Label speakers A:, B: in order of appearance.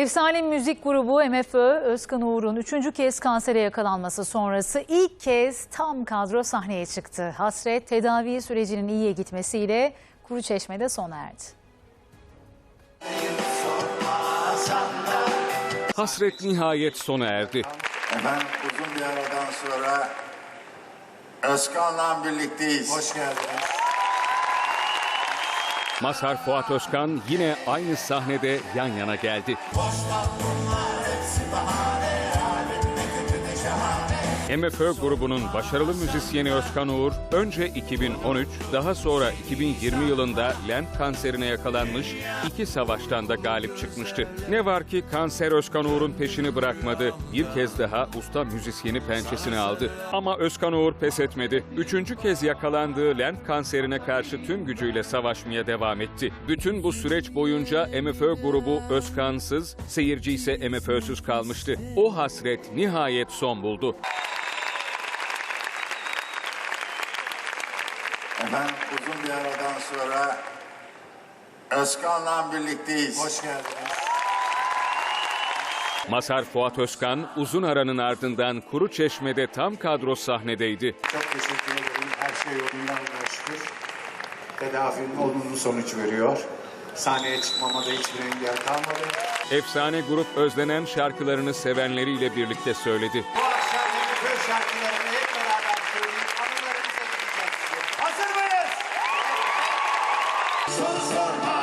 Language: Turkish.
A: Efsane müzik grubu MFÖ, Özkan Uğur'un 3. kez kansere yakalanması sonrası ilk kez tam kadro sahneye çıktı. Hasret, tedavi sürecinin iyiye gitmesiyle Kuruçeşme'de sona erdi.
B: Hasret nihayet sona erdi.
C: Efendim uzun bir aradan sonra Özkan'la birlikteyiz.
D: Hoş geldiniz.
B: Mazhar Fuat Özkan yine aynı sahnede yan yana geldi. MFÖ grubunun başarılı müzisyeni Özkan Uğur, önce 2013, daha sonra 2020 yılında lenf kanserine yakalanmış, 2 savaştan da galip çıkmıştı. Ne var ki kanser Özkan Uğur'un peşini bırakmadı. Bir kez daha usta müzisyeni pençesine aldı. Ama Özkan Uğur pes etmedi. 3. kez yakalandığı lenf kanserine karşı tüm gücüyle savaşmaya devam etti. Bütün bu süreç boyunca MFÖ grubu Özkan'sız, seyirci ise MFÖ'süz kalmıştı. O hasret nihayet son buldu.
C: Efendim uzun bir aradan sonra Özkan'la birlikteyiz.
D: Hoş geldiniz.
B: Mazhar Fuat Özkan uzun aranın ardından Kuruçeşme'de tam kadro sahnedeydi.
D: Çok teşekkür ederim. Her şey yolundan şükür. Tedavinin olumlu sonuç veriyor. Sahneye çıkmama da hiçbir engel kalmadı.
B: Efsane grup özlenen şarkılarını sevenleriyle birlikte söyledi.
D: Bu akşam MFÖ şarkılarını hep beraber söyleyip anılarımıza gideceğiz. Hazır mıyız? Son sorma.